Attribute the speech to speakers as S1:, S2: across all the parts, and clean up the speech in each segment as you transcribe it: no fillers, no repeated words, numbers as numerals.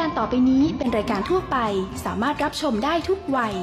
S1: การต่อไปนี้เป็นรายการทั่วไปสามารถรับชมได้ทุกวัย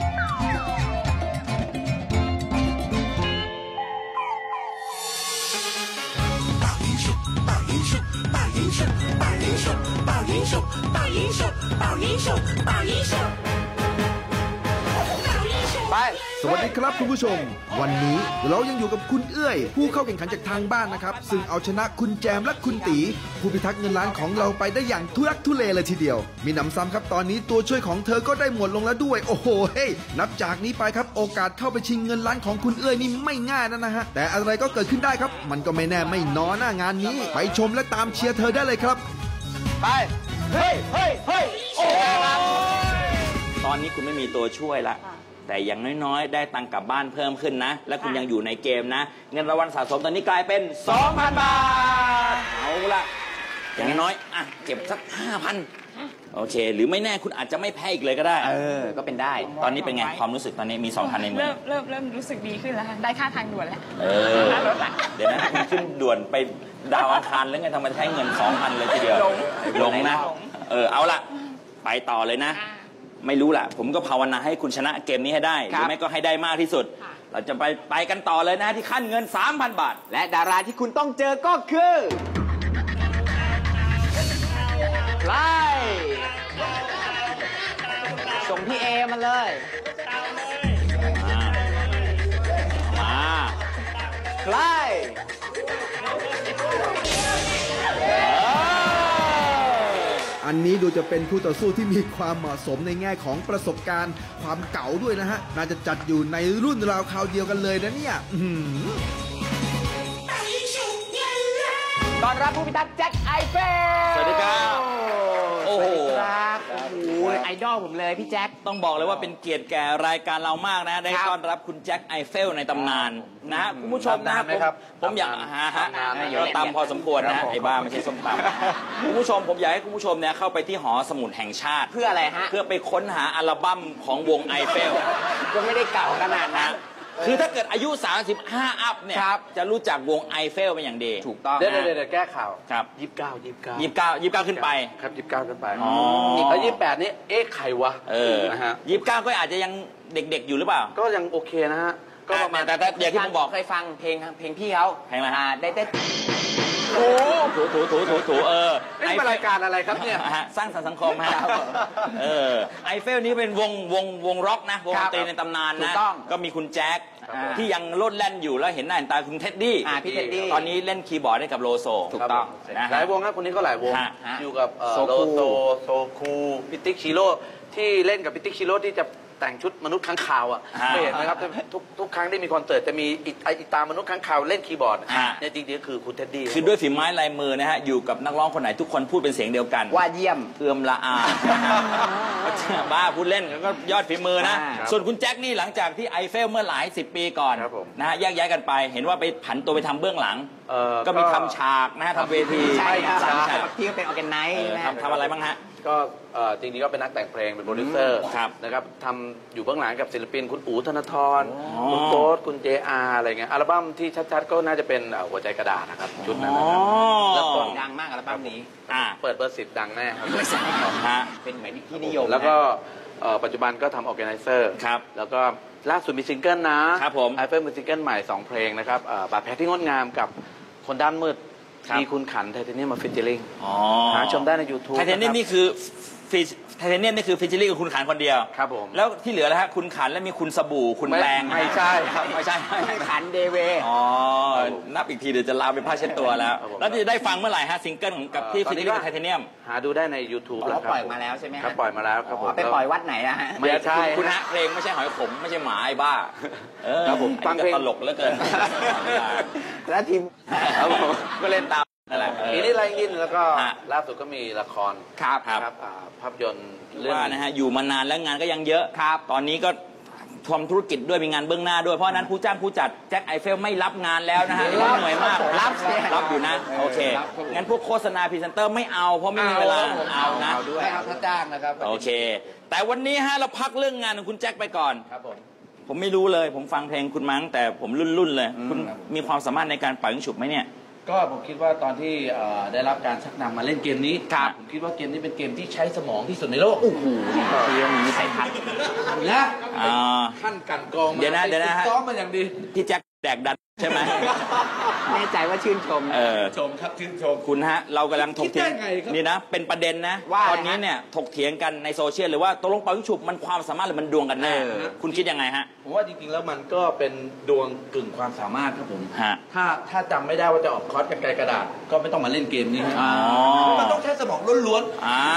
S2: สวัสดีครับคุณผู้ชมวันนี้เรายังอยู่กับคุณเอื้อยผู้เข้าแข่งขันจากทางบ้านนะครับซึ่งเอาชนะคุณแจมและคุณตีผู้พิทักษ์เงินล้านของเราไปได้อย่างทุรักทุเลเลยทีเดียวมีหนำซ้ำครับตอนนี้ตัวช่วยของเธอก็ได้หมดลงแล้วด้วยโอ้โหเฮ้ยนับจากนี้ไปครับโอกาสเข้าไปชิงเงินล้านของคุณเอื้อยนี่ไม่ง่ายนะฮะแต่อะไรก็เกิดขึ้นได้ครับมันก็ไม่แน่ไม่นอนหน้างานนี้ไปชมและตามเชียร์เธอได้เลยครับ
S3: ไปเฮ้ยเฮ้ยเฮ้ยโอ้ตอนนี้คุณไม่มีตัวช่วยละแต่อย่างน้อยๆได้ตังค์กลับบ้านเพิ่มขึ้นนะและคุณยังอยู่ในเกมนะเงินรางวัลสะสมตอนนี้กลายเป็น 2,000 บาทเอาละอย่างน้อยอ่ะเก็บสัก 5,000 โอเคหรือไม่แน่คุณอาจจะไม่แพ้อีกเลยก็ได้
S4: ก็เป็นได้
S3: ตอนนี้เป็นไงความรู้สึกตอนนี้มี 2,000 ในมือ
S5: เริ่มรู้สึกดีขึ้นแล้วค่ะได้ค่าทางด่วนแล้ว
S3: เดี๋ยวนะคุณขึ้นด่วนไปดาวอังคารแล้วไงทำไมใช้เงิน 2,000 เลยทีเดียวหลงนะเอาละไปต่อเลยนะไม่รู้แหละผมก็ภาวนาให้คุณชนะเกมนี้ให้ได้หรือไม่ก็ให้ได้มากที่สุดเราจะไปกันต่อเลยนะที่ขั้นเงิน 3,000 บาท
S4: และดาราที่คุณต้องเจอก็คือใครส่งพี่เอมาเลย
S3: มา
S4: ใคร
S2: อันนี้ดูจะเป็นผู้ต่อสู้ที่มีความเหมาะสมในแง่ของประสบการณ์ความเก๋าด้วยนะฮะน่าจะจัดอยู่ในรุ่นราวคราวเดียวกันเลยนะเนี่ย
S4: ต้อนรับผู้พิทักษ์แจ็คไอเฟล
S3: สวัสดีครับ
S4: โอ้โหไอดอลผมเลยพี่แจ็ค
S3: ต้องบอกเลยว่าเป็นเกียรติแก่รายการเรามากนะได้ต้อนรับคุณแจ็คไอเฟลในตำนานนะฮะคุณผู้ชมนะผมอยากเราตำพอสมควรนะไอ้บ้าไม่ใช่ส้มตำคุณผู้ชมผมอยากให้คุณผู้ชมเนี่ยเข้าไปที่หอสมุดแห่งชาติ
S4: เพื่ออะไรฮะ
S3: เพื่อไปค้นหาอัลบั้มของวงไอเฟล
S4: ก็ไม่ได้เก่าขนาดนั้น
S3: คือถ้าเกิดอายุ35อัพเนี่ยจะรู้จักวงไอเฟลเป็นอย่างดี
S4: ถูกต้อง
S6: เดี๋ยวแก้ข่าว
S3: ครับ
S6: 29
S3: ขึ้นไป
S6: ครับ29ขึ้นไปแล้ว28นี่ใครวะ
S3: นะฮะ29ก็อาจจะยังเด็กๆอยู่หรือเปล่า
S6: ก็ยังโอเคนะฮะ
S3: ก็ประมาณแต่อย่างที่ผมบอก
S4: เคยฟังเพลงพี่เขา
S3: เพลงอะไร
S4: ได้
S3: โอ้ถู
S6: นี่เป็นรายการอะไรครับเนี่ย
S3: สร้างสรรค์สังคมฮะไอเฟลนี้เป็นวงร็อกนะวงดนตรีในตำนานนะก็มีคุณแจ็คที่ยังโลดแล่นอยู่แล้วเห็นหน้าเห็นตาคุณเท็ดดี้
S4: พี่เท็ดดี้
S3: ตอนนี้เล่นคีย์บอร์ดให้กับโลโซ
S4: ถูกต้อง
S6: หลายวงครับคนนี้ก็หลายวงอยู่กับโลโซโซคูพิติกชิโร่ที่เล่นกับพิติกชิโร่ที่จะแต่งชุดมนุษย์ค้างคาวไม่เห็นนะครับทุกครั้งที่มีคอนเสิร์ตจะมีอีตามนุษย์ค้างคาวเล่นคีย์บอร์ดเนี่ยจริงๆคือคุณเท็ดดี้
S3: คือด้วยฝีไม้ลายมือนะฮะอยู่กับนักร้องคนไหนทุกคนพูดเป็นเสียงเดียวกัน
S4: ว่าเยี่ยม
S3: เอื้อมละอาบ้าพูดเล่นก็ยอดฝีมือนะส่วนคุณแจ็คนี่หลังจากที่ไอเฟลเมื่อหลาย10 ปีก่อนนะฮะแยกย้ายกันไปเห็นว่าไปผันตัวไปทำเบื้องหลังก็มีทำฉากนะฮะทำเวที
S4: ใช่ที่ก็เป็นออร์แกไนซ์
S3: ทำอะไรบ้างฮะ
S6: ก็จริงๆก็เป็นนักแต่งเพลงเป็นโปรดิวเซอร์นะครับทำอยู่เบื้องหลังกับศิลปินคุณอู๋ธนทรคุณโต๊ดคุณเจอาอะไรเงี้ยอัลบั้มที่ชัดๆก็น่าจะเป็นหัวใจกระดาษนะครับชุดนั้นนะครับ
S4: แล้วก็ดังมากอัลบั้มนี้
S6: เปิดเบอร์10ดังแน่ครับ
S4: เป็นเหมือนที่นิยม
S6: แล้วก็ปัจจุบันก็ทำออร์แกไนเซอร์แล้วก็ล่าสุดมีซิงเกิลนะครับ
S3: ผม
S6: ไอเฟิลมีซิงเกิลใหม่2เพลงนะครับบาดแผลที่งดงามกับคนด้านมืดมีคุณขันไทเทเนียมมาฟิชเชอร์ลิงหาชมได้ใน YouTube
S3: ไทเทเนียมนี่คือไทเทเนียมนี่คือฟิชเชอร์ลิงกับคุณขันคนเดียว
S6: ครับผม
S3: แล้วที่เหลือแล้วฮะคุณขันแล้วมีคุณสบู่คุณแปรง
S6: ไม่ใช่ครับ
S3: ไม่ใช่
S4: ขันเดเว
S3: นับอีกทีเดี๋ยวจะลาไปผ้าเช็ดตัวแล้วจะได้ฟังเมื่อไหร่ฮะซิงเกิลกับที่ฟิชเชอร์ลิงกับไทเทเนียม
S6: หาดูได้ใน YouTube
S4: แล้วปล่อยมาแล้วใช่ไหม
S6: ครับปล่อยมาแล้วครับผม
S4: ไปปล่อยวัดไหนนะฮะ
S3: ไม่ใช่คุณฮะเพลงไม่ใช่หอยขมไม่ใช่หมาไอ้บ้า
S6: ครับผม
S3: ฟังเพลงตลกเหลือเกิน
S4: แล้วทีม
S3: ก็เล่นตาม
S6: ปีนี้ไรยินแล้วก็ล่าสุดก็มีละคร
S3: ครับ
S6: ภาพยนตร์
S3: เรื่องนะฮะอยู่มานานแล้วงานก็ยังเยอะครับตอนนี้ก็ทำธุรกิจด้วยมีงานเบื้องหน้าด้วยเพราะนั้นผู้จ้างผู้จัดแจ็คไอเฟลไม่รับงานแล้วนะฮะเหนื่อยมากรับอยู่นะโอเคงั้นพวกโฆษณาพรีเซนเตอร์ไม่เอาเพราะไม่มีเวลาเอานะ
S4: ไม่เอาถ้าจ้างนะครับ
S3: โอเคแต่วันนี้ฮะเราพักเรื่องงานของคุณแจ็คไปก่อน
S6: ครับ
S3: ผมไม่รู้เลยผมฟังเพลงคุณมั้งแต่ผมรุ่นเลยคุณมีความสามารถในการปล่อยฉุบไหมเนี่ย
S6: ก็ผมคิดว่าตอนที่ได้รับการชักนำมาเล่นเกมนี้ผมคิดว่าเกมนี้เป็นเกมที่ใช้สมองที่สุดในโลกโอ้โห
S4: พี่มีวิสัยทัศน์
S6: นะขั้นกันกองมา
S3: เดี๋ยวนะ
S6: ซ้อมมาอย่างดี
S3: พี่แจ็คแดกดันใช่ไหม
S4: แน่ใจว่าชื่นชม
S6: ชมครับชื่นชม
S3: คุณฮะเรากำลังถกเถียงนี่นะเป็นประเด็นนะตอนนี้เนี่ยถกเถียงกันในโซเชียลหรือว่าตกลงเป่ายิงฉุบมันความสามารถหรือมันดวงกันแน่คุณคิดยังไงฮะ
S6: ผมว่าจริงๆแล้วมันก็เป็นดวงกึ่งความสามารถครับผมถ้าจำไม่ได้ว่าจะออกคอร์สกันไกลกระดาษก็ไม่ต้องมาเล่นเกมนี้มันต้องใช้สมองล้วน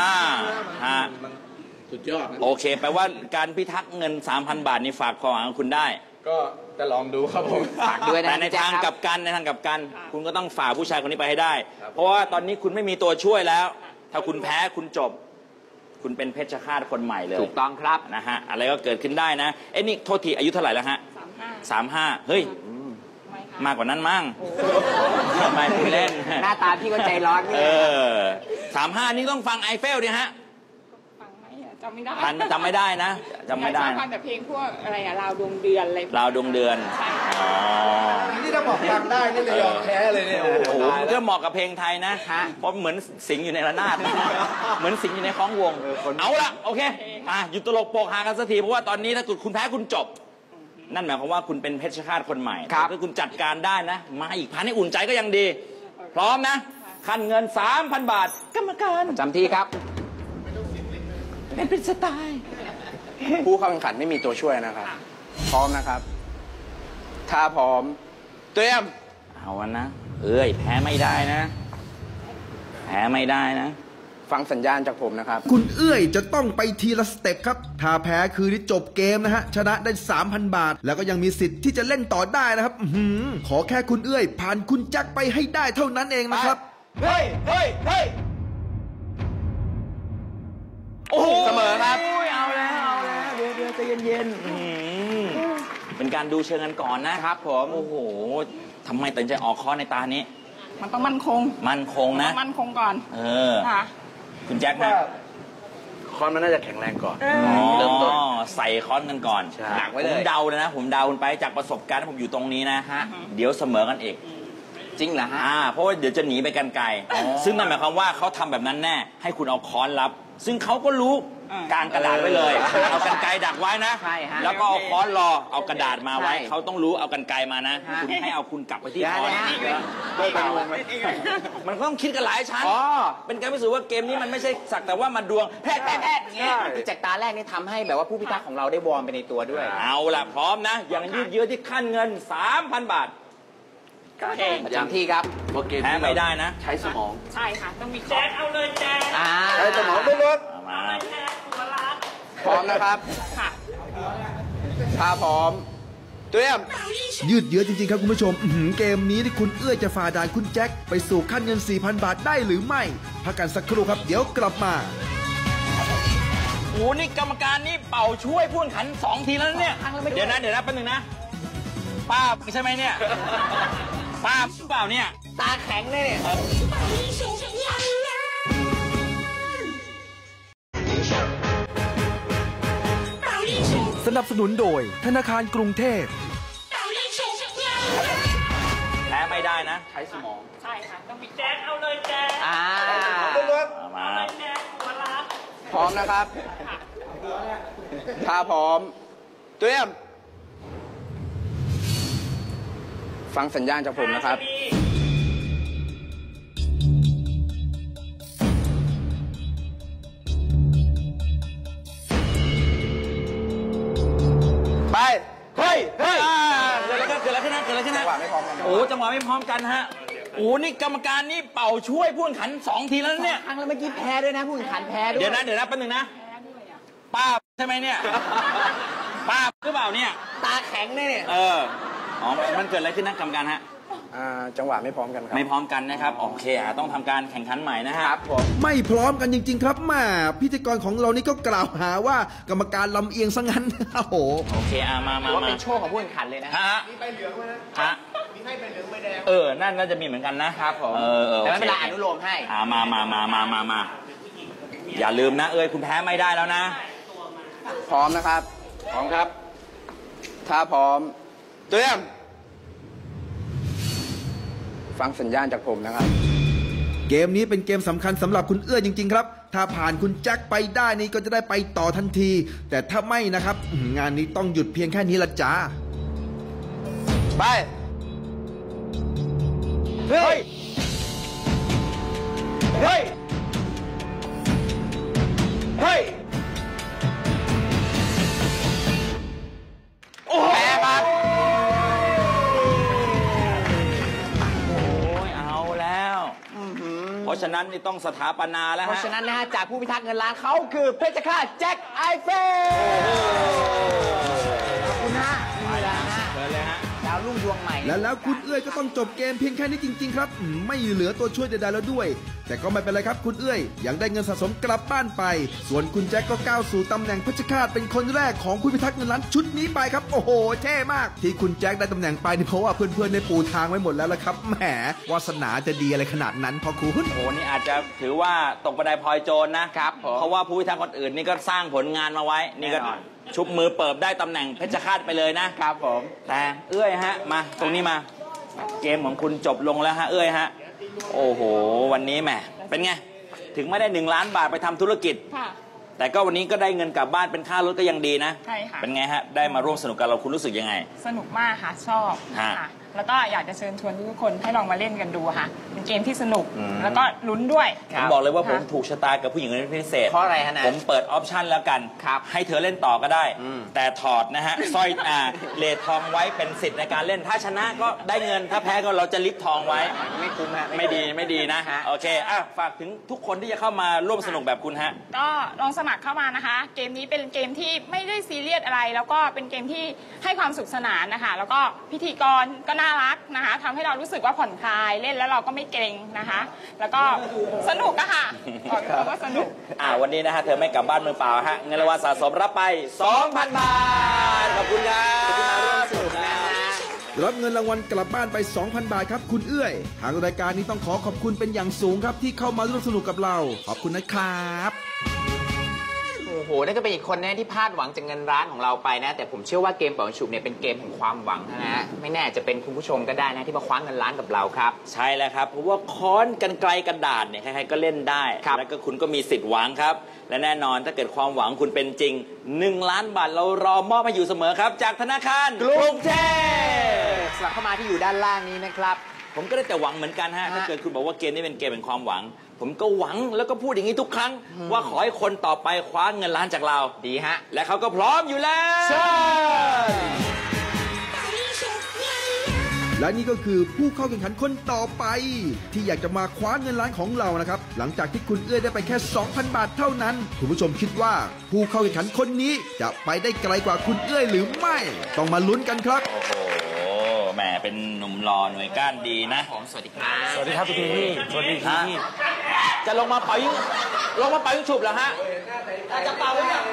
S6: ๆสุดยอด
S3: โอเคแปลว่าการพิทักษ์เงิน 3,000 บาทนี่ฝากความหวังคุณได้
S6: ก็จะลองดูครับผม
S4: ฝากด้วยนะ
S3: แต่ในทางกลับกันคุณก็ต้องฝ่าผู้ชายคนนี้ไปให้ได้เพราะว่าตอนนี้คุณไม่มีตัวช่วยแล้วถ้าคุณแพ้คุณจบคุณเป็นเพชฌฆาตคนใหม่เลย
S4: ถูกต้องครับ
S3: นะฮะอะไรก็เกิดขึ้นได้นะนี่โทษทีอายุเท่าไหร่แล้วฮะ35เฮ้ยมากกว่านั้นมั้งไม่คุณเล่น
S4: หน้าตาพี่ก็ใจร้อนนี่
S3: 35นี่ต้องฟังไอเฟลดิฮะ
S5: จำไม่ได้
S3: จำไม่ได้นะจำไม่ได้
S5: ฟังแต่เพลงพวกอะไรอะราวดวงเดือนอะไร
S3: ราวดวงเดือน
S6: นี่ถ้าบอกฟังได้นี่เลยยอมแพ้เลยเนี่ยโอ้โห
S3: ก็เหมาะกับเพลงไทยนะเพราะเหมือนสิงอยู่ในระนาดเหมือนสิงอยู่ในคล้องวงเอาละโอเคหยุดตลกโปกฮากันสักทีเพราะว่าตอนนี้ถ้าคุณแพ้คุณจบนั่นหมายความว่าคุณเป็นเพชฌฆาตคนใหม่ถ้าคุณจัดการได้นะมาอีกพันให้อุ่นใจก็ยังดีพร้อมนะขั้นเงิน 3,000 บาทกรรมการ
S4: จำที่ครับ
S3: เป็นสไตล์
S4: ผู้เข้าแข่งขันไม่มีตัวช่วยนะครับพร้อมนะครับถ้าพร้อมเตรียม
S3: เอาวันนะแพ้ไม่ได้นะแพ้ไม่ได้นะ
S4: ฟังสัญญาณจากผมนะครับ
S2: คุณเอื้อยจะต้องไปทีละสเต็ปครับถ้าแพ้คือที่จบเกมนะฮะชนะได้ 3,000 บาทแล้วก็ยังมีสิทธิ์ที่จะเล่นต่อได้นะครับขอแค่คุณเอื้อยผ่านคุณแจ็คไปให้ได้เท่านั้นเองนะครับ
S6: เฮ้ย
S3: โอ้
S4: เสมอครับ
S3: เอาแล้วเดี๋ยวใจเย็นๆเป็นการดูเชิงกันก่อนนะครับผมโอ้โหทำไมตัดใจออกคอในตานี้
S5: มันต้องมั่นคง
S3: นะมั่
S5: นคงก่อน
S3: คุณแจ็คนะ
S6: คอนมันน่าจะแข็งแรงก่อน
S3: เริ่มต้นใส่คอนกันก่อนผมเดาเลยนะผมเดาคุณไปจากประสบการณ์ที่ผมอยู่ตรงนี้นะฮะเดี๋ยวเสมอกันเอง
S4: จริงเหรอฮะ
S3: เพราะว่าเดี๋ยวจะหนีไปกันไกลซึ่งนั่นหมายความว่าเขาทำแบบนั้นแน่ให้คุณเอาค้อนรับซึ่งเขาก็รู้กางกระดาษไว้เลยเอากันไกดักไว้นะแล้วก็เอาค้อนรอเอากระดาษมาไว้เขาต้องรู้เอากันไกมานะคุณให้เอาคุณกลับไปที่ค้อนมันต้องคิดกันหลายชั้นเป็นการพิสูจน์ว่าเกมนี้มันไม่ใช่สักแต่ว่ามาดวงแพทย์
S4: อย่างเงี้ยจากตาแรกนี่ทำให้แบบว่าผู้พิทักษ์ของเราได้วอร์มไปในตัวด้วย
S3: เอาล่ะพร้อมนะอย่างยืดเยื้อที่ขั้นเงิน 3,000 บาท
S4: จำที่ครับ
S3: แพ้ไม่ได้นะ
S6: ใช้สมอง
S5: ใช่ค่ะต้องมีแจ็คเอาเลยแจ็ค
S6: ใช้สมองด้วยรถ
S4: พร้อมนะครับถ้าพร้อมเตรียม
S2: ยืดเยื้อจริงๆครับคุณผู้ชมเกมนี้ที่คุณเอื้อจะฝ่าด่านคุณแจ็คไปสู่ขั้นเงิน 4,000 บาทได้หรือไม่พักกันสักครู่ครับเดี๋ยวกลับมา
S3: โอ้นี่กรรมการนี่เป่าช่วยผู้แข่งขัน2 ทีแล้วเนี่ยเดี๋ยวนะแป๊บนึงนะป้าใช่ไหมเนี่ยป้าเปล่าเนี่ย
S4: ตาแข็งเลยเนี่ย
S2: สนับสนุนโดยธนาคารกรุงเทพ
S3: แพ้ไม่ได้นะ
S6: ใช้สมอง
S5: ใช่ค่ะต้องมีแจ็คเอาเลยแจ็ค
S3: มา
S4: พร้อมนะครับถ้าพร้อมเตรียมฟังสัญญาณจากผมนะครับ
S3: ไปเฮ้ยเกิดอะไรขึ้นจังหวะไม่พร้อมกันโอ้จังหวะไม่พร้อมกันฮะโอ้นี่กรรมการนี่เป่าช่วยผู้แข่งขัน2 ทีแล้วเนี่ย
S4: ครั้งแล้วเมื่อกี้แพ้ด้วยนะผู้แข่งขันแพ้ด้วย
S3: เดี๋ยวนะแป๊บนึงนะป้าใช่ไหมเนี่ยป้าหรือเปล่าเนี่ย
S4: ตาแข็งเลยเนี่ย
S3: มันเกิดอะไรขึ้นนะกรรมการฮะ
S4: จังหวะไม่พร้อมกันครับ
S3: ไม่พร้อมกันนะครับโอเคต้องทำการแข่งขันใหม่นะครับ
S2: ไม่พร้อมกันจริงๆครับมาพิธีกรของเรานี่ก็กล่าวหาว่ากรรมการลำเอียงซะงั้นโอ้โห
S3: โอเคมา
S4: ว่าเป็นโชคของผู้แข่งขันเลยนะ
S3: มีใบเหลืองไหมนะมีให้ใบเหลืองใบแดงนั่นน่าจะมีเหมือนกันนะครับ
S4: ผมแต่ไม่เป็นไรอนุโลมให้
S3: มาอย่าลืมนะคุณแพ้ไม่ได้แล้วนะ
S4: พร้อมนะครับพร้อมครับถ้าพร้อมเตรียมฟังสัญญาณจากผมนะครับ
S2: เกมนี้เป็นเกมสำคัญสำหรับคุณเอื้อจริงๆครับถ้าผ่านคุณแจ็คไปได้นี่ก็จะได้ไปต่อทันที แต่ถ้าไม่นะครับงานนี้ต้องหยุดเพียงแค่นี้ละจ้า
S6: ไป เฮ้ย เฮ้ย เฮ้ย โอ้โหแพ้ครับ
S3: โอ้ยเอาแล้ว เพราะฉะนั้นนี่ต้องสถาปนาแล้ว
S7: เพ
S3: ฮะ
S7: ราะฉะนั้นนะฮะจากผู้พิทักษ์เงินล้านเขาคือเพชรฆาตแจ็คไอเฟลขอบคุณฮะนี่แหละฮะ
S3: เชิญเลยฮะ
S7: ดาวรุ่งดวงใหม่
S2: แล้วคุณเอื้อยก็ต้องจบเกมเพียงแค่นี้จริงๆครับไม่เหลือตัวช่วยใดๆแล้วด้วย แต่ก็ไม่เป็นไรครับคุณเอื้อยยังได้เงินสะสมกลับบ้านไป ส่วนคุณแจ็คก็ก้าวสู่ตำแหน่งเพชรฆาตเป็นคนแรกของผู้พิทักษ์เงินล้านชุดนี้ไปครับโอ้โหเท่มาก ที่คุณแจ็คได้ตำแหน่งไปนี่เพราะว่าเพื่อนๆได้ปูทางไว้หมดแล้วละครับแหมวาสนาจะดีอะไรขนาดนั้นพอคุณ
S3: โอ้โหนี่อาจจะถือว่าตกบันไดพลอยโจรนะครับ
S7: ผม
S3: เพราะว่าผู้พิทักษ์คนอื่นนี่ก็สร้างผลงานมาไว้ นี่ก็ชุบมือเปิบได้ตำแหน่งเพชรฆาตไปเลยนะครับ
S7: ผม
S3: แต่เอื้อยฮะมาตรงนี้มาเกมของคุณจบลงแล้วฮะเอื้อยฮะโอ้โหวันนี้แหมเป็นไงถึงไม่ได้1 ล้านบาทไปทำธุรกิจ
S5: ค่ะ
S3: แต่ก็วันนี้ก็ได้เงินกลับบ้านเป็นค่ารถก็ยังดีนะ
S5: ใช่ค่ะ
S3: เป็นไงฮะได้มาร่วมสนุกกับเราคุณรู้สึกยังไง
S5: สนุกมากค่ะ ชอบ
S3: ฮะ
S5: ค่ะ แล้วก็อยากจะเชิญชวนทุกคนให้ลองมาเล่นกันดูค่ะเป็นเกมที่สนุก แล้วก็ลุ้นด้วย
S3: ผมบอกเลยว่าผม
S5: ค่ะ
S3: ถูกชะตากับผู้หญิงคนนี้เป็นพิเศษ
S7: เพราะอะไรฮะนะ
S3: ผมเปิดออปชันแล้วกัน
S7: ครับ
S3: ให้เธอเล่นต่อก็ได้ แต่ถอดนะฮะ สร้อยเลททองไว้เป็นสิทธิ์ในการเล่น ถ้าชนะก็ได้เงิน ถ้าแพ้ก็เราจะลิฟทองไว้
S7: ไม่คุ้มฮะ
S3: ไม่ดีนะ
S7: ฮะ
S3: โอเคฝากถึงทุกคนที่จะเข้ามาร่วมสนุกแบบคุณฮะ
S5: ก็ลองสมัครเข้ามานะคะ เกมนี้เป็นเกมที่ไม่ได้ซีเรียสอะไร แล้วก็เป็นเกมที่ให้ความสุขสนานนะคะ แล้วก็พิธีกรก็น่ารักนะคะทำให้เรารู้สึกว่าผ่อนคลายเล่นแล้วเราก็ไม่เกรงนะคะ แล้วก็สนุกอะค่ะบอกเลยว่าสนุก
S3: วันนี้นะฮะเธอไม่กลับบ้านมือเปล่าฮะเงินรางวัลสะสมรับไป 2,000 บาทขอบคุณครับ
S7: สนุกนะฮะ
S2: รับเงินรางวัลกลับบ้านไป 2,000 บาทครับคุณเอื้อยทางรายการนี้ต้องขอขอบคุณเป็นอย่างสูงครับที่เข้ามาร่วมสนุกกับเราขอบคุณนะครับ
S7: โอ้โหนั่นก็เป็นอีกคนนะที่พลาดหวังจากเงินล้านของเราไปนะ แต่ผมเชื่อว่าเกมเป่าฉุบเนี่ยเป็นเกมแห่งความหวังนะฮะไม่แน่จะเป็นคุณผู้ชมก็ได้นะที่มาคว้าเงินล้านกับเราครับ
S3: ใช่แล้วครับเพราะว่าค้อนกันไกลกระดาษเนี่ยใครๆก็เล่นได้ แล้วก็คุณก็มีสิทธิ์หวังครับ และแน่นอนถ้าเกิดความหวังคุณเป็นจริง1 ล้านบาทเรารอมอบให้อยู่เสมอครับ จากธนาคารกรุงเทพ
S7: สลับเข้ามาที่อยู่ด้านล่างนี้นะครับ
S3: ผมก็ได้แต่หวังเหมือนกันฮะถ้าเกิดคุณบอกว่าเกมนี้เป็นเกมแห่งความหวัง ผมก็หวังแล้วก็พูดอย่างนี้ทุกครั้ง ว่าขอให้คนต่อไปคว้าเงินล้านจากเรา
S7: ดีฮะ
S3: และเขาก็พร้อมอยู่แล้ว
S2: และนี่ก็คือผู้เข้าแข่งขันคนต่อไป ที่อยากจะมาคว้าเงินล้านของเรานะครับหลังจากที่คุณเอื้อยได้ไปแค่ 2,000 บาทเท่านั้นคุณผู้ชมคิดว่าผู้เข้าแข่งขันคนนี้จะไปได้ไกลกว่าคุณเอื้อยหรือไม่ต้องมาลุ้นกันครับ
S3: โอ้โหแหมเป็นหนุ่มหล่อหน่วยก้านดีนะ
S7: ผมสวัสดีครับ
S3: สวัสดีครับพี่สวัสดีครับจะลงมาเป่ายิงฉุบเหรอฮะจะเป่าหรือยัง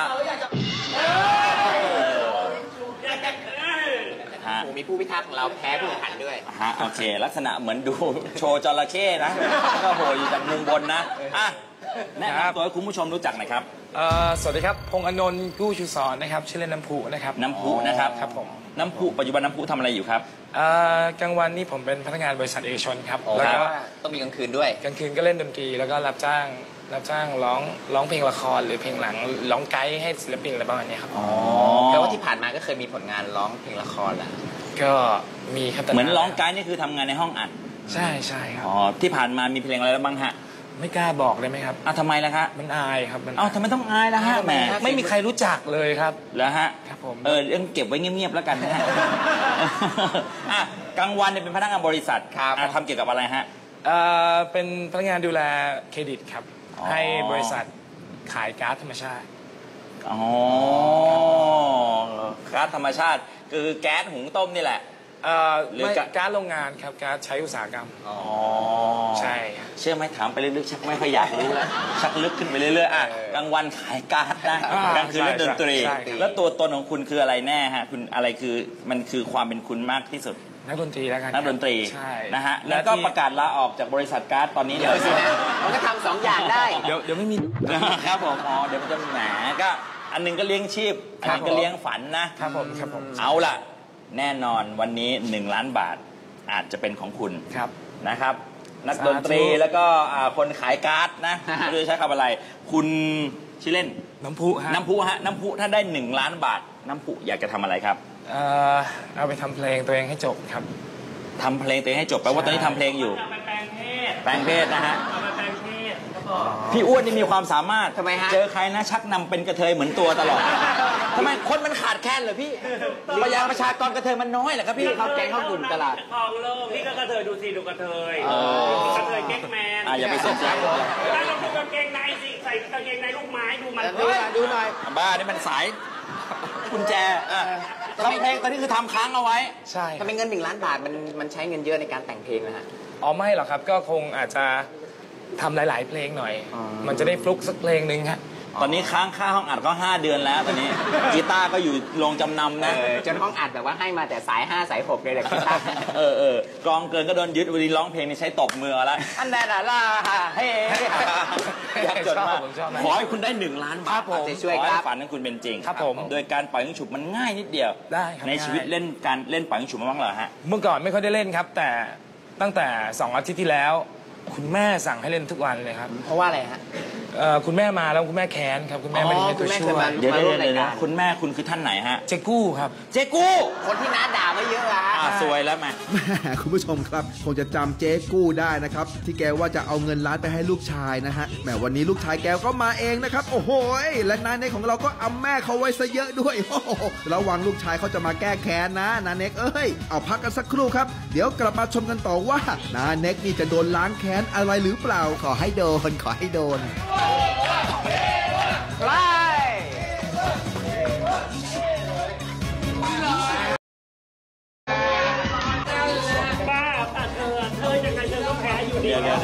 S7: โอ้มีผู้พิทักษ์ของเราแพ้ผู้แข่งขันด้วย
S3: โอเคลักษณะเหมือนดูโชว์จระเข้นะก็โหอยู่จากมุมบนนะแนะนำตัวให้คุณผู้ชมรู้จักหน่อยครับ
S8: สวัสดีครับพงษ์อนนท์กู้ชูศรนะครับชื่อเล่นน้ำพุนะครับ
S3: น้ำพุนะครับ
S8: ครับผม
S3: น้ำพุปัจจุบันน้ำพุทำอะไรอยู่ครับ
S8: กลางวันนี่ผมเป็นพนักงานบริษัทเอกชนครับ
S7: แล้
S8: แล้ว ว
S7: ก็
S8: ก็
S7: ต้องมีกลางคืนด้วย
S8: กลางคืนก็เล่นดนตรีแล้วก็รับจ้างร้องเพลงละครหรือเพลงหลังร้องไกด์ให้ศิลปินอะไรประมาณนี้ครับ
S7: แปลว่าที่ผ่านมาก็เคยมีผลงานร้องเพลงละครแหละ
S8: ก็มีครับแต่
S3: เหมือนร้องไกด์นี่คือทำงานในห้องอัด
S8: ใช่ครับ
S3: ที่ผ่านมามีเพลงอะไรแล้วบ้างฮะ
S8: ไม่กล้าบอกเลยไหมครับ
S3: ทำไมล่ะคะ
S8: มันอายครับมัน
S3: ทำไมต้องอายล่ะฮะแหม
S8: ไม่มีใครรู้จักเลยครับ
S3: แล้วฮะ
S8: ครับผม
S3: เรื่องเก็บไว้เงียบๆแล้วกันนะฮะ กลางวันเนี่ยเป็นพนักงานบริษัททำเกี่ยวกับอะไรฮะ
S8: เป็นพนักงานดูแลเครดิตครับให้บริษัทขายก๊าซธรรมชาติ
S3: ก๊าซธรรมชาติคือแก๊สหุงต้มนี่แหละ หรือ
S8: ไม่ก๊าซโรงงานครับก๊าซใช้อุตสาหกรรมใช่ครับ
S3: เชื่อไหมถามไปเรื่อยๆชักไม่ค่อยอยากรู้แล้วชักลึกขึ้นไปเรื่อยๆกลางวันขายก๊าซนะกลางคืนเล่นดนตรีแล้วตัวตนของคุณคืออะไรแน่ฮะคุณอะไรคือมันคือความเป็นคุณมากที่สุด
S8: นักดนตรีแล้วกัน
S3: นักดนตรี
S8: ใช่
S3: นะฮะแล้วก็ประกาศลาออกจากบริษัทก๊าซตอนนี้เลย
S7: มันก็ทำ2 อย่างได้
S8: เดี๋ยวไม่มี
S3: ครับผมเดี๋ยวมันจะแหมก็อันนึงก็เลี้ยงชีพอันนึงก็เลี้ยงฝันนะครับ
S8: ผม
S3: เอาล่ะแน่นอนวันนี้1 ล้านบาทอาจจะเป็นของคุณ
S8: ครับ
S3: นะครับ นักดนตรีแล้วก็คนขายการ์ดนะไม่รู้จะใช้คำอะไร คุณชื่อเล่น
S8: น้ำพุฮะ
S3: น้ำพุฮะน้ำพุถ้าได้1 ล้านบาทน้ำพุอยากจะทำอะไรครับ
S8: เอาไปทำเพลงตัวเองให้จบครับ
S3: ทำเพลงตัวเองให้จบแปลว่าตอนนี้ทำเพลงอยู่ แปลงเพศนะฮะพี่อ้วนนี่มีความสามารถ
S7: ทำไมฮะ
S3: เจอใครนะชักนำเป็นกระเทยเหมือนตัวตลอดทำไมคนมันขาดแคลนเหรอพี่ประชากรกระเทยมันน้อยเหรอครับพี่
S7: เขาแก๊งเข้ากลุ่มตลาด
S9: ทองโลกพี่ก็กระเทยดูสิดูกระเทยกระเทยเก๊กแมน
S3: อย่าไปสนใจ
S9: แล้วเราดูกางเกงในสิใส่กางเกงในลูกไม้ดูมัน
S7: ดูหน่อย
S3: บ้านี่มันสายกุญแจทำเพลงตอนนี้คือทำค้างเอาไว้
S8: ใช่
S7: ถ้าเป็นเงิน1 ล้านบาทมันใช้เงินเยอะในการแต่งเพลงนะฮะ
S8: อ๋อไม่หรอกครับก็คงอาจจะทำหลาย ๆ เพลงหน่อย มันจะได้ฟลุกสักเพลงหนึ่งฮะ
S3: ตอนนี้ค้างค่าห้องอัดก็5 เดือนแล้วตอนนี้กีตาร์ก็อยู่โรงจำนำนะ
S7: จนห้องอัดแบบว่าให้มาแต่สาย5สาย6เลยแหละคิด
S3: กองเกินก็โดนยึดวันนี้ร้องเพลงนี่ใช้ตบมือแล้วอันนั้นล่ะเฮ้อยากจดมาก
S8: ผมชอบนะ
S3: ขอให้คุณได้1 ล้านบาท
S7: จะช่วย
S3: ขอ
S7: ค
S3: ให้
S7: รับ
S3: ฝันของคุณเป็นจริง
S8: ครับผม
S3: โดยการปล่อยยิงฉุบมันง่ายนิดเดียว
S8: ได้ครับ
S3: ในชีวิต
S8: ง่าย
S3: เล่นการเล่นปล่อยยิงฉุบมาบ้างเหรอฮะ
S8: เมื่อก่อนไม่ค่อยได้เล่นครับ แต่ตั้งแต่2 อาทิตย์ที่แล้ว คุณแม่สั่งให้เล่นทุกวันเลยครับ
S7: เพราะว่าอะไรฮะ
S8: คุณแม่มาแล้วคุณแม่แค้นครับคุณแม่ไม่ได้ให้ตัวช่วย
S3: เดี๋ยว
S7: มาร่วมรายการ
S3: คุณแม่คุณคือท่านไหนฮะ
S8: เจ๊กู้ครับ
S3: เจ๊กู้
S7: คนที่น้าด่าไม่เยอะอะฮะ
S3: สวยแล้วไหม
S2: แหมคุณผู้ชมครับคงจะจำเจ๊กู้ได้นะครับที่แกว่าจะเอาเงินล้านไปให้ลูกชายนะฮะแหมวันนี้ลูกชายแกก็มาเองนะครับโอ้โหและนาเน็กของเราก็อำแม่เขาไว้ซะเยอะด้วยโอ้โหระวังลูกชายเขาจะมาแก้แค้นนะนาเน็กเอ้ยเอาพักกันสักครู่ครับเดี๋ยวกลับมาชมกันต่อว่านาเน็กนี่จะโดนล้างแค้นอะไรหรือเปล่าขอให้โดนขอให้โดน
S9: บ้าแต่เธอยังไงเธอก็แพ้อยู่ดี
S3: เดี๋ยว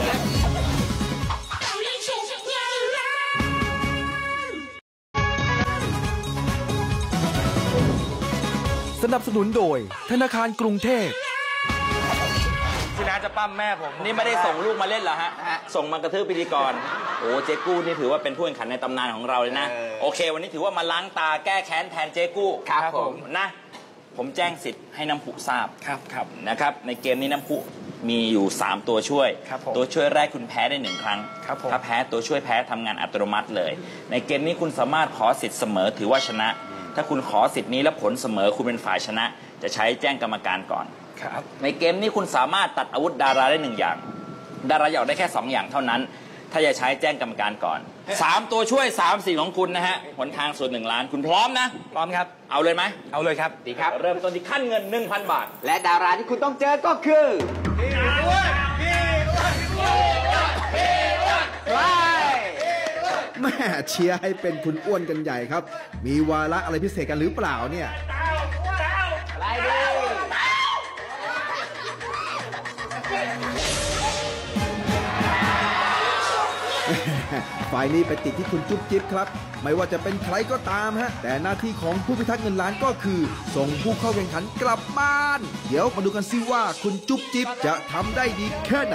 S2: สนับสนุนโดยธนาคารกรุงเทพ
S8: คุณน้าจะปั้มแม่ผม
S3: นี่ไม่ได้ส่งลูกมาเล่นเหรอฮะ ส่งมากระทืบพิธีกร โอ้เจ๊กู้นี่ถือว่าเป็นผู้แข่งขันในตำนานของเราเลยนะ โอเค วันนี้ถือว่ามาล้างตาแก้แค้นแทนเจ๊กู้
S8: ครับผม
S3: นะ ผมแจ้งสิทธิ์ให้น้ำพุทราบ
S8: ครับ
S3: นะครับ ในเกมนี้น้ำพุมีอยู่ 3 ตัวช่วย
S8: ครับผม
S3: ตัวช่วยแรกคุณแพ้ได้ 1 ครั้ง
S8: ครับผม
S3: ถ้าแพ้ตัวช่วยแพ้ทำงานอัตโนมัติเลย ในเกมนี้คุณสามารถขอสิทธิ์เสมอถือว่าชนะ ถ้าคุณขอสิทธิ์นี้แล้วผลเสมอคุณเป็นฝ่ายชนะ จะใช้แจ้งกรรมการก่อน
S8: ครับ
S3: ในเกมนี้คุณสามารถตัดอาวุธดาราได้1 อย่าง ดาราอยากได้แค่2 อย่างเท่านั้น ถ้าจะใช้แจ้งกรรมการก่อน 3 ตัวช่วย3 สิ่งของคุณนะฮะหนทางส่วน 1 ล้านคุณพร้อมนะ
S8: พร้อมครับ
S3: เอาเลยไหม
S8: เอาเลยครับ
S7: ดีครับ
S3: เริ่มต้นที่ขั้นเงิน 1,000 บาท
S7: และดาราที่คุณต้องเจอก็คือใคร
S2: แม่เชียร์ให้เป็นคุณอ้วนกันใหญ่ครับ มีวาระอะไรพิเศษกันหรือเปล่าเนี่ย
S7: อะไรดี
S2: ฝ่ายนี้ไปติดที่คุณจุ๊บจิ๊บครับ ไม่ว่าจะเป็นใครก็ตามฮะ แต่หน้าที่ของผู้พิทักษ์เงินล้านก็คือ ส่งผู้เข้าแข่งขันกลับบ้าน เดี๋ยวมาดูกันซิว่าคุณจุ๊บจิ๊บจะทำได้ดีแค่ไหน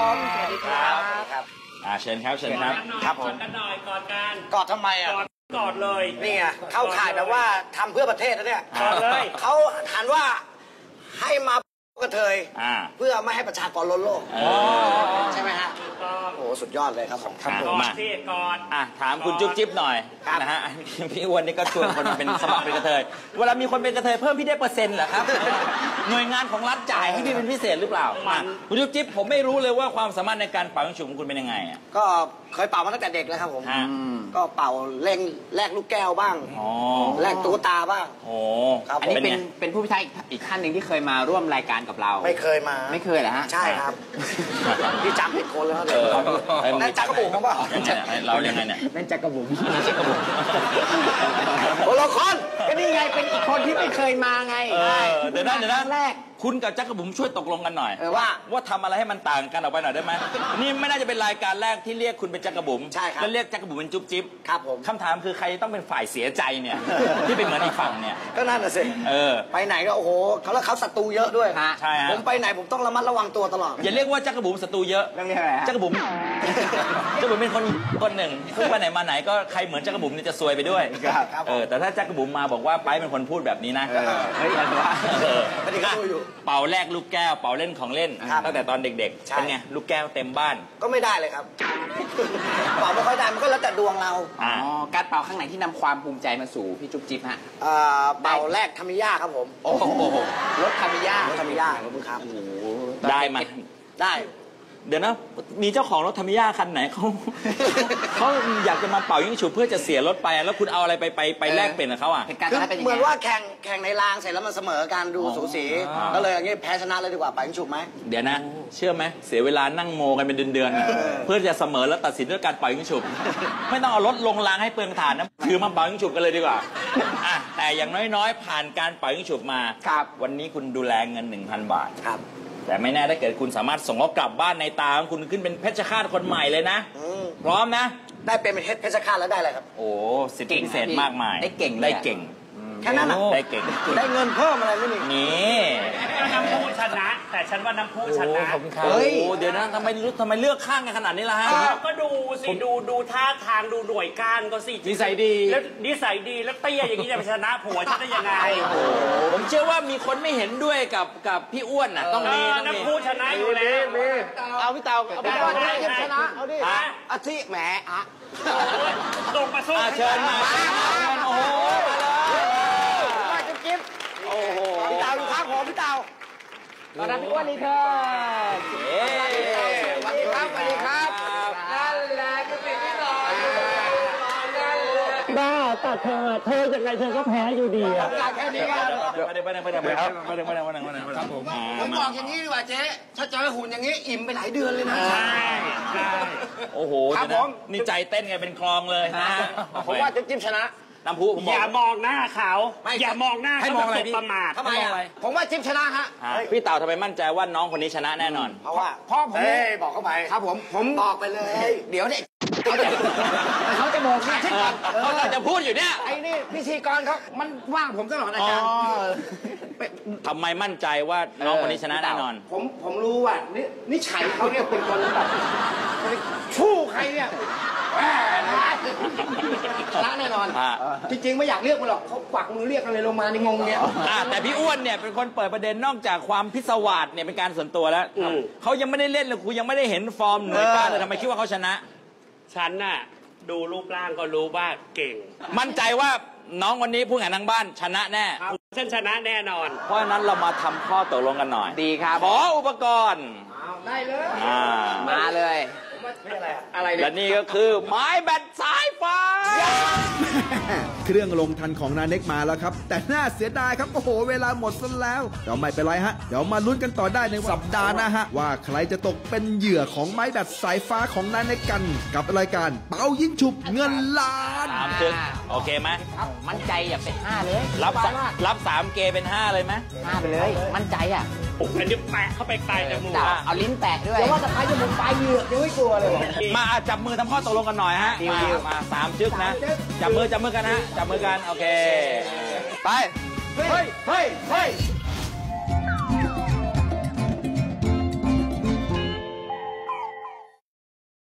S3: เชิญครับเชิญครับ
S9: ครับผมกันหน่อยกอดกัน
S10: กอดทำไมอ่ะ
S9: กอดเลย
S10: นี่ไงเข้าข่ายแบบว่าทำเพื่อประเทศนะเนี่ย
S9: กอดเลย
S10: เขาหันว่าให้มากระเทย เพื่อไม่ให้ประชากรล้นโลก ใช่ไหมฮะ โอ้โหสุดยอดเลยครับผม
S3: ครับผ
S9: กอ
S3: ม
S9: ดสิกอด
S3: ถามคุณจุ๊บจิ๊บหน่อย
S10: ครับ
S3: นะฮะพี่อ้วนนี่ก็ชวนคนมาเป็นสมัครเป็นกระเทยเวลามีคนเป็นกระเทยเพิ่มพี่ได้เปอร์เซ็นต์เหรอครับ หน่วยงานของรัฐจ่ายให้พี่เป็นพิเศษหรือเปล่าคุณจุ๊บจิ๊บผมไม่รู้เลยว่าความสามารถในการเป่ายิงฉุบของคุณเป็นยังไงอ่ะ
S10: ก็เคยเป่ามาตั้งแต่เด็กแล้วครับผม
S3: ฮะ
S10: ก็เป่าเล่งแลกลูกแก้วบ้าง
S3: อ๋อ
S10: แลกตุ๊กตาบ้าง
S3: โอ้
S10: ครับ
S7: อันนี้
S3: เป็นไง
S7: เป็นผู้พิทักษ์อีกท่านหนึ่งที่เคยมาร่วมรายการกับเรา
S10: ไม่เคยมา
S7: ไม่เคยเหรอฮะ
S10: ใช่ครับพี่จำผิดคนแล้วครับ
S3: เออ
S10: นั่นจักรบุ๋มเขาเปล่า
S3: ยังไงเนี่ยเรายังไงเนี่ย
S7: นั่นจักรบุ๋ม
S3: จักรบุ๋ม
S10: คนละคน
S7: ก็นี่ไงเป็นอีกคนที่ไม่เคยมาไง
S3: เดี๋ยวนะ
S7: ครั้งแรก
S3: คุณกับจักรบุ๋มช่วยตกลงกันหน่อย
S10: ว่า
S3: ทำอะไรให้มันต่างกันออกไปหน่อยได้ไหมนี่ไม่น่าจะเป็นรายการแรกที่เรียกคุณเป็นจักรบุ๋ม
S10: ใช่ครับ
S3: แล้วเรียกจักรบุ๋มเป็นจุ๊บจิ๊บ
S10: ครับผม
S3: คำถามคือใครต้องเป็นฝ่ายเสียใจเนี่ย ที่เป็นเหมือนอีกฝั่งเนี่ย
S10: ก็นั่นน่ะสิ ไปไหนก็โอ้โหเขาศัตรูเยอะด้วย
S3: ใช่ฮะ
S10: ผมไปไหนผมต้องระมัดระวังตัวตลอด
S3: อย่าเรียกว่าจักรบุ๋มศัตรูเยอะ
S7: เรื่องนี้อะไรฮะ
S3: จักรบุ๋ม จักรบุ๋มเป็นคนหนึ่งซึ่งไปไหนมาไหนก็ใครเหมือนจักรบุ๋มนี่จะซวยไปด้วย
S10: ครับ
S3: แต่ถ้าจักรบุ๋มมาบอกว่าไปเป็นคนพูดแบบนี้นะ
S7: เฮ้ยอะไรวะ
S10: ไม่ได้เขาดูอยู่
S3: เป่าแรกลูกแก้วเป่าเล่นของเล่นตั้งแต่ตอนเด็กๆเป็นไงลูกแก้วเต็มบ้าน
S10: ก็ไม่ได้เลยครับเป่าไม่ค่อยได้มันก็แล้วแต่ดวงเรา
S7: การเป่าข้างไหนที่นำความภูมิใจมาสู่พี่จุ๊บจิ๊บฮะ
S10: เป่าแรกทามิยาครับผม
S7: โอ้โหรถทามิยา
S10: ครับ
S3: ได้มา
S10: ได้
S3: เดี๋ยวนะมีเจ้าของรถทามิยาคันไหนเขาอยากจะมาเป่ายิ่งฉุบเพื่อจะเสียรถไปแล้วคุณเอาอะไรไปแลกเปลี่ยนกับเขาอ่ะ
S10: เหมือนว่าแข่งในรางเสร็จแล้วมันเสมอการดูสูสีก็เลยอย่างนี้แพ้ชนะเลยดีกว่าเป่ายิ่งฉุบไหม
S3: เดี๋ยวนะเชื่อไหมเสียเวลานั่งโมกันเป็นเดือนๆเพื่อจะเสมอแล้วตัดสินด้วยการเป่ายิ่งฉุบไม่ต้องเอารถลงรางให้เปลืองถ่านนะคือมาเป่ายิ่งฉุบกันเลยดีกว่าแต่อย่างน้อยๆผ่านการเป่ายิ่งฉุบมาวันนี้คุณดูแลเงิน 1,000 บาทแต่ไม่แน่ถ้าเกิดคุณสามารถส่งเขากลับบ้านในตาของคุณขึ้นเป็นเพชรฆาตคนใหม่เลยนะพร้อมนะ
S10: ได้เป็นเพชรฆาตแล้วได้อะไรครับ
S3: โอ้สิทธิพิเศษมากมาย
S7: ได้เก่ง
S10: แค่นั้น
S3: ได้เก่ง
S10: ได้เงินเพิ่มอะไรไม่มี
S3: นี่
S9: น้ำพุชนะแต่ฉันว่าน้ำพุชนะ
S3: เฮ้ยเดี๋ยวนะทำไมเลือกข้างกันขนาดนี้ล่ะฮะ
S9: ก็ดูสิดูท่าทางดูหน่วยก้านก็สิ
S3: นิสัยดี
S9: แล้วนิสัยดีแล้วเตี้ยอย่างนี้จะไปชนะผัวฉันได้ยังไง
S3: ผมเชื่อว่ามีคนไม่เห็นด้วยกับพี่อ้วนน่ะต้องมี
S9: น้ำพุชนะอยู่แล้ว
S10: เอาพี่เต่าเอาพี่เต่าชนะเอาดิอาทิแหม
S9: ลงมาสู้
S3: เชิญมาโอ้โห
S10: โอ้โหพี่เต่าอยู่ข้างผมพี่เต่า
S7: ตอนรับพี่อ้วนนี่เธอ
S10: สวัสดีครับสวัสดีครับ
S9: นั่นแหละคือสิ่งที่รอบ้าแต่เธอยังไงเธอก็แพ้อยู่ดีอ่ะ
S10: แค่นี้
S3: ครับ
S10: ผมบอกอย่างนี้ดีกว่าเจ๊ถ้าเจอหุ่นอย่างนี้อิ่มไปหลายเดือนเลยนะ
S9: ใช่
S3: โอ้โหครับผมนี่ใจเต้นไงเป็นคลองเลยนะ
S10: ผมว่าจะจิ้มชนะ
S3: น้ำพุ
S9: อย่ามองหน้าเขาอย่ามองหน้า
S3: ให้มองอะไร
S9: ประมาท
S10: ทำไมผมว่าจิ้มชนะฮะ
S3: พี่เต่าทำไมมั่นใจว่าน้องคนนี้ชนะแน่นอน
S10: เพราะว่าพ่อผมบอกเข้าไปครับผมบอกไปเลยเดี๋ยวเนี่ยเขาจะบอกนะ
S3: เขาจะพูดอยู่เนี่ย
S10: ไอ้นี่พิธีกรเขามันว่างผมตลอดอาจารย์
S3: ทำไมมั่นใจว่าน้องคนนี้ชนะแน่นอน
S10: ผมรู้ว่านิสัยเขาเนี่ยเป็นคนแบบชู้ใครเนี่ยชนะแน่นอนจริงๆไม่อยากเรียกมันหรอกเขากวักมือเรียกอะไรลงมาในงงเนี่ย
S3: แต่พี่อ้วนเนี่ยเป็นคนเปิดประเด็นนอกจากความพิศวาสเนี่ยเป็นการส่วนตัวแล้วเขายังไม่ได้เล่นเลยครูยังไม่ได้เห็นฟอร์มหน่วยก้านเลยทำไมคิดว่าเขาชนะ
S9: ฉันน่ะดูรูปร่างก็รู้ว่าเก่ง
S3: มั่นใจว่าน้องวันนี้ผู้แข่งทางบ้านชนะแน่
S9: ฉันชนะแน่นอน
S3: เพราะฉะนั้นเรามาทำข้อตกลงกันหน่อย
S7: ดีครับ
S3: ขออุปกรณ์
S10: ได้เลย
S7: มาเลย
S10: อะไร
S3: และนี่ก็คือไม้แบตสายฟ้า
S2: เครื่องลงทันของนาเน็กมาแล้วครับแต่น่าเสียดายครับโอ้โหเวลาหมดซะแล้วเดี๋ยวไม่เป็นไรฮะเดี๋ยวมาลุ้นกันต่อได้ในสัปดาห์หน้าฮะว่าใครจะตกเป็นเหยื่อของไม้แบตสายฟ้าของนาเน็กกันกับรายการเป่ายิงฉุบเงินล้าน
S3: โอเคไหม
S7: มั่นใจอย่าเป็น5เลย
S3: รับ3เกเป็น5เลยไหม
S7: 5ไปเลยมั่นใจอ่ะ
S9: อันนี้แปะเข้าไปไกลจมูก
S7: เอาลิ้นแปะด้วย
S10: แต่ว่าจะใครจะมุนปลายเหยือกยังไม่กลัวเลย
S3: มาจับมือทำข้อตกลงกันหน่อยฮะมา3จึ๊กนะจับมือกันฮะจับมือกันโอเคไป
S10: เฮ้ย